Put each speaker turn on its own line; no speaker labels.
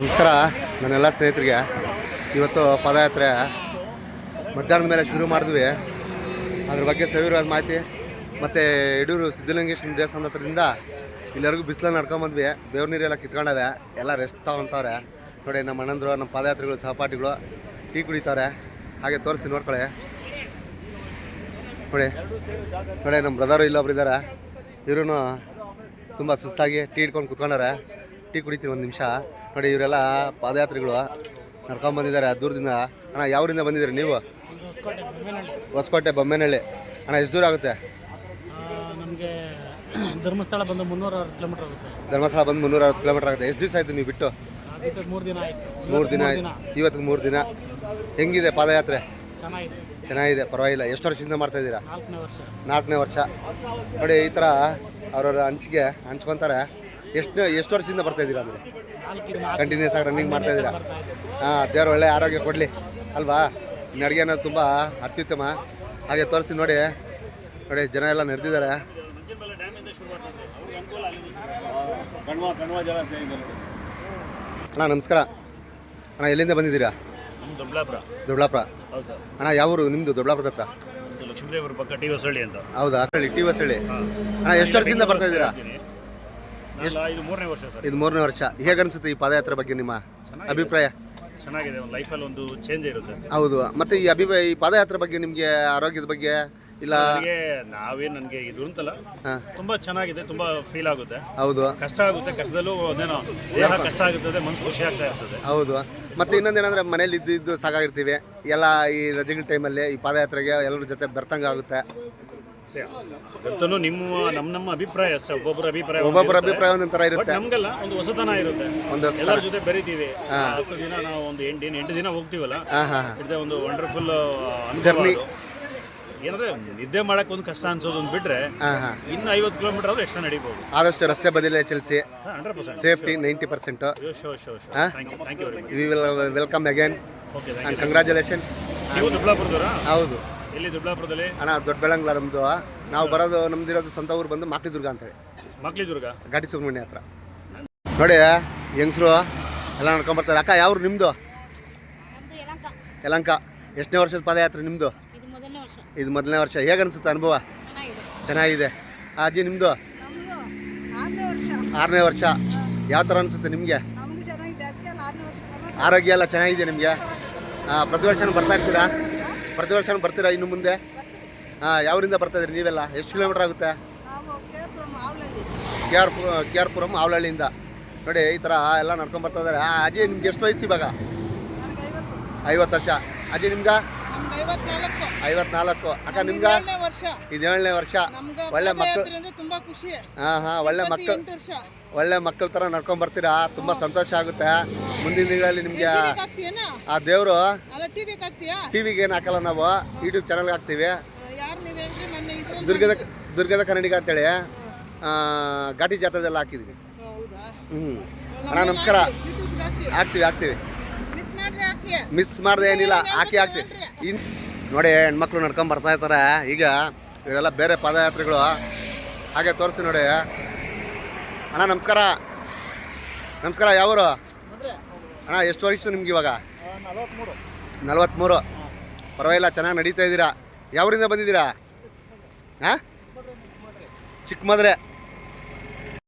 ನಮಸ್ಕಾರ ನನ್ನೆಲ್ಲ ಸ್ನೇಹಿತರಿಗೆ. ಇವತ್ತು ಪಾದಯಾತ್ರೆ ಮಧ್ಯಾಹ್ನದ ಮೇಲೆ ಶುರು ಮಾಡಿದ್ವಿ. ಅದ್ರ ಬಗ್ಗೆ ಸವಿರವಾದ ಮಾಹಿತಿ ಮತ್ತು ಯಡೂರು ಸಿದ್ಧಲಿಂಗೇಶ್ವರ ದೇವಸ್ಥಾನದ ಹತ್ರದಿಂದ ಇಲ್ಲಿವರೆಗೂ ಬಿಸಿಲಲ್ಲಿ ನಡ್ಕೊಂಬಂದ್ವಿ. ಬೇವ್ರ ನೀರೆಲ್ಲ ಕಿತ್ಕೊಂಡವೆ, ಎಲ್ಲ ರೆಸ್ಟ್ ತಗೊತವ್ರೆ. ನೋಡಿ ನಮ್ಮ ಅಣ್ಣಂದರು, ನಮ್ಮ ಪಾದಯಾತ್ರಿಗಳು, ಸಹಪಾಠಿಗಳು ಟೀ ಕುಡಿತಾರೆ. ಹಾಗೆ ತೋರಿಸಿ ನೋಡ್ಕೊಳ್ಳಿ. ನೋಡಿ ನಮ್ಮ ಬ್ರದರು ಇಲ್ಲೊಬ್ರು ಇದ್ದಾರೆ. ಇವರು ತುಂಬ ಸುಸ್ತಾಗಿ ಟೀ ಹಿಡ್ಕೊಂಡು ಕುತ್ಕೊಂಡಾರೆ. ಟೀ ಕುಡಿತೀನಿ ಒಂದು ನಿಮಿಷ. ನೋಡಿ ಇವರೆಲ್ಲ ಪಾದಯಾತ್ರಿಗಳು ನಡ್ಕೊಂಬಂದಿದ್ದಾರೆ ದೂರದಿಂದ. ಅಣ್ಣ ಯಾವರಿಂದ ಬಂದಿದ್ದೀರಿ ನೀವು? ಹೊಸಕೋಟೆ ಬೊಮ್ಮೆನಹಳ್ಳಿ. ಅಣ್ಣ ಎಷ್ಟು ದೂರ ಆಗುತ್ತೆ?
ನಮಗೆ ಧರ್ಮಸ್ಥಳ ಬಂದು 360 ಕಿಲೋಮೀಟರ್ ಆಗುತ್ತೆ.
ಧರ್ಮಸ್ಥಳ ಬಂದು 360 ಕಿಲೋಮೀಟರ್ ಆಗುತ್ತೆ. ಎಷ್ಟು ದಿವಸ ಆಯಿತು ನೀವು ಬಿಟ್ಟು?
3 ದಿನ ಆಯಿತು.
3 ದಿನ ಆಯ್ತು. ಇವತ್ತಿಗೆ 3 ದಿನ. ಹೆಂಗಿದೆ ಪಾದಯಾತ್ರೆ? ಚೆನ್ನಾಗಿದೆ, ಪರವಾಗಿಲ್ಲ. ಎಷ್ಟು ವರ್ಷದಿಂದ ಮಾಡ್ತಾಯಿದ್ದೀರಾ? 4ನೇ ವರ್ಷ. ನೋಡಿ ಈ ಥರ ಅವ್ರವ್ರ ಹಂಚಿಗೆ ಹಂಚ್ಕೊತಾರೆ. ಎಷ್ಟು ವರ್ಷದಿಂದ ಬರ್ತಾಯಿದ್ದೀರಾ ಅಂದರೆ? ಕಂಟಿನ್ಯೂಸ್ ಆಗಿ ರನ್ನಿಂಗ್ ಮಾಡ್ತಾಯಿದ್ದೀರಾ? ಹಾಂ, ದೇವ್ರು ಒಳ್ಳೆ ಆರೋಗ್ಯ ಕೊಡಲಿ ಅಲ್ವಾ? ಇನ್ನು ಅಡುಗೆ ಅನ್ನೋದು ತುಂಬ ಅತ್ಯುತ್ತಮ. ಹಾಗೆ ತೋರಿಸಿ ನೋಡಿ ಜನ ಎಲ್ಲ ನೆರೆದಿದ್ದಾರೆ. ಅಣ್ಣ ನಮಸ್ಕಾರ. ಅಣ್ಣ ಎಲ್ಲಿಂದ ಬಂದಿದ್ದೀರಾ? ದೊಡ್ಡಬಳ್ಳಾಪುರ. ಅಣ್ಣ ಯಾವ ಊರು ನಿಮ್ಮದು? ದೊಡ್ಡಬಳ್ಳಾಪುರದ ಹತ್ರ
ಲಕ್ಷ್ಮೀದೇವರ ಪಕ್ಕ ಟಿ ಹೊಸಳ್ಳಿ ಅಂತ.
ಹೌದಾ? ಟಿ ಹೊಸಳ್ಳಿ. ಅಣ್ಣ ಎಷ್ಟು ವರ್ಷದಿಂದ ಬರ್ತಾ ಇದ್ದೀರಾ?
ಇದು 3ನೇ ವರ್ಷ ಸರ್.
ಇದು 3ನೇ ವರ್ಷ. ಹೇಗನ್ಸುತ್ತೆ ಈ ಪಾದಯಾತ್ರೆ ಬಗ್ಗೆ ನಿಮ್ಮ ಅಭಿಪ್ರಾಯ?
ಚೆನ್ನಾಗಿದೆ, ಒಂದು ಲೈಫಲ್ಲಿ ಒಂದು ಚೇಂಜ್ ಇರುತ್ತೆ.
ಹೌದು. ಮತ್ತು ಈ ಪಾದಯಾತ್ರೆ ಬಗ್ಗೆ ನಿಮಗೆ ಆರೋಗ್ಯದ ಬಗ್ಗೆ ಇಲ್ಲ?
ನನಗೆ ಇದು ಅಂತಲ್ಲ, ತುಂಬಾ ಚೆನ್ನಾಗಿದೆ, ತುಂಬಾ ಫೀಲ್ ಆಗುತ್ತೆ.
ಹೌದು,
ಕಷ್ಟ ಆಗುತ್ತೆ, ಕಷ್ಟದಲ್ಲೂ ಅದೇನೋ ದೇಹ ಕಷ್ಟ ಆಗುತ್ತದೆ, ಮನಸ್ಸು ಖುಷಿ ಆಗ್ತಾ ಇರ್ತದೆ.
ಹೌದು. ಮತ್ತು ಇನ್ನೊಂದೇನಂದ್ರೆ ಮನೇಲಿ ಇದ್ದು ಸಾಕಾಗಿರ್ತೀವಿ. ಎಲ್ಲ ಈ ರಜೆಗಳ ಟೈಮಲ್ಲಿ ಈ ಪಾದಯಾತ್ರೆಗೆ ಎಲ್ಲರ ಜೊತೆ ಬೆರ್ತಂಗ ಆಗುತ್ತೆ.
ಗೊತ್ತೂ ನಮ್ಮ ಅಭಿಪ್ರಾಯ ಅಷ್ಟೇ. ಒಬ್ಬೊಬ್ಬರ
ಅಭಿಪ್ರಾಯ ಒಂದೊಂಥರ ಇರುತ್ತೆ.
ನಮ್ಗೆಲ್ಲ ಒಂದು ಹೊಸತನ ಇರುತ್ತೆ. ಎಲ್ಲರ ಜೊತೆ ಬೆರಿತೀವಿ. 10 ದಿನ ನಾವು ಒಂದು 8 ದಿನ ಹೋಗ್ತೀವಲ್ಲ, ಇಟ್ಸ್ ಒಂದು ವಂಡರ್ಫುಲ್ ಜರ್ನಿ. ಏನಂದ್ರೆ ನಿದ್ದೆ ಮಾಡಕ್ ಒಂದು ಕಷ್ಟ ಅನ್ಸೋದು ಒಂದು ಬಿಟ್ರೆ ಇನ್ನು 50 ಕಿಲೋಮೀಟರ್ ಆದ್ರೂ ಎಕ್ಸ್ಟ್ರಾ ನಡೀಬಹುದು.
ಆದಷ್ಟು ರಸ್ತೆ ಬದಿಲೇ ಚಲಿಸಿ.
100%
safety 90%. We will welcome again and congratulations.
ನೀವು ದೊಡ್ಡಬಳ್ಳಾಪುರದವರಾ?
ಹೌದು.
ಎಲ್ಲಿ ದೊಡ್ಡಬಳ್ಳಾಪುರದಲ್ಲಿ?
ಅಣ್ಣ ದೊಡ್ಡಬೆಳಂಗ್ಲ ನಮ್ಮದು. ನಾವು ಬರೋದು ನಮ್ದಿರೋದು ಸ್ವಂತ ಊರು ಬಂದು ಮಾಕ್ಲಿದುರ್ಗ ಅಂತೇಳಿ.
ಮಾಕ್ಲಿದುರ್ಗ
ಘಾಟಿ ಸುಬ್ರಹ್ಮಣ್ಯ ಹತ್ರ. ನೋಡಿ ಹೆಂಗಸರು ಎಲ್ಲ ನಡ್ಕೊಂಬರ್ತಾರೆ. ಅಕ್ಕ ಯಾವ್ರು ನಿಮ್ಮದು? ಯಲಹಂಕ. ಎಷ್ಟನೇ ವರ್ಷದ ಪಾದಯಾತ್ರೆ ನಿಮ್ಮದು? ಇದು ಮೊದಲನೇ ವರ್ಷ. ಹೇಗನ್ಸುತ್ತೆ ಅನುಭವ? ಚೆನ್ನಾಗಿದೆ. ಅಜ್ಜಿ ನಿಮ್ಮದು? 6ನೇ ವರ್ಷ. ಯಾವ ಥರ ಅನಿಸುತ್ತೆ ನಿಮಗೆ? ಆರೋಗ್ಯ ಎಲ್ಲ ಚೆನ್ನಾಗಿದೆ ನಿಮಗೆ? ಪ್ರತಿ ವರ್ಷನೂ ಬರ್ತಾ ಇರ್ತೀರಾ? ಪ್ರತಿ ವರ್ಷನೂ ಬರ್ತೀರಾ ಇನ್ನು ಮುಂದೆ? ಯಾವರಿಂದ ಬರ್ತಾ ಇದ್ರಿ ನೀವೆಲ್ಲ? ಎಷ್ಟು ಕಿಲೋಮೀಟರ್ ಆಗುತ್ತೆ? ಕೆ ಆರ್ ಪುರಂ ಆವಲಹಳ್ಳಿಯಿಂದ. ನೋಡಿ ಈ ಥರ ಎಲ್ಲ ನಡ್ಕೊಂಡು ಬರ್ತಾ ಇದ್ದಾರೆ. ಅಜ್ಜಿ ನಿಮ್ಗೆ ಎಷ್ಟು ವಯಸ್ಸು ಇವಾಗ? 50 ವರ್ಷ. ಅಜ್ಜಿ ನಿಮ್ಗೆ? 54. ಅಕ್ಕ ನಿಮ್ಗೆ? ಇದು 7ನೇ ವರ್ಷ. ಒಳ್ಳೆ ಮಕ್ಕಳು. ಒಳ್ಳೆ ಮಕ್ಕಳ ಥರ ನಡ್ಕೊಂಡು ಬರ್ತೀರಾ. ತುಂಬ ಸಂತೋಷ ಆಗುತ್ತೆ. ಮುಂದಿನ ದಿನಗಳಲ್ಲಿ ನಿಮಗೆ ಆ ದೇವರು ಟಿವಿಗೆ ಏನು ಹಾಕಲ್ಲ, ನಾವು ಯೂಟ್ಯೂಬ್ ಚಾನಲ್ಗೆ ಹಾಕ್ತೀವಿ. ದುರ್ಗದ ಕನ್ನಡಿಗ ಅಂತೇಳಿ ಘಾಟಿ ಜಾತ್ರೆದೆಲ್ಲ ಹಾಕಿದ್ದೀವಿ. ಅಣ್ಣ ನಮಸ್ಕಾರ. ಹಾಕ್ತೀವಿ. ಮಿಸ್ ಮಾಡಿದೆ ಏನಿಲ್ಲ, ಹಾಕ್ತೀವಿ. ನೋಡಿ ಹೆಣ್ಮಕ್ಳು ನಡ್ಕೊಂಡು ಬರ್ತಾ ಇರ್ತಾರೆ. ಈಗ ಇವರೆಲ್ಲ ಬೇರೆ ಪಾದಯಾತ್ರೆಗಳು. ಹಾಗೆ ತೋರಿಸಿ ನೋಡಿ. ಅಣ್ಣ ನಮಸ್ಕಾರ. ಯಾವರು ಅಣ್ಣ? ಎಷ್ಟು ವಯಸ್ಸು ನಿಮ್ಗೆ ಇವಾಗ? 43. ಪರವಾಗಿಲ್ಲ, ಚೆನ್ನಾಗಿ ನಡೀತಾ ಇದ್ದೀರಾ. ಯಾವರಿಂದ ಬಂದಿದ್ದೀರಾ? ಚಿಕ್ಕಮದ್ರೆ.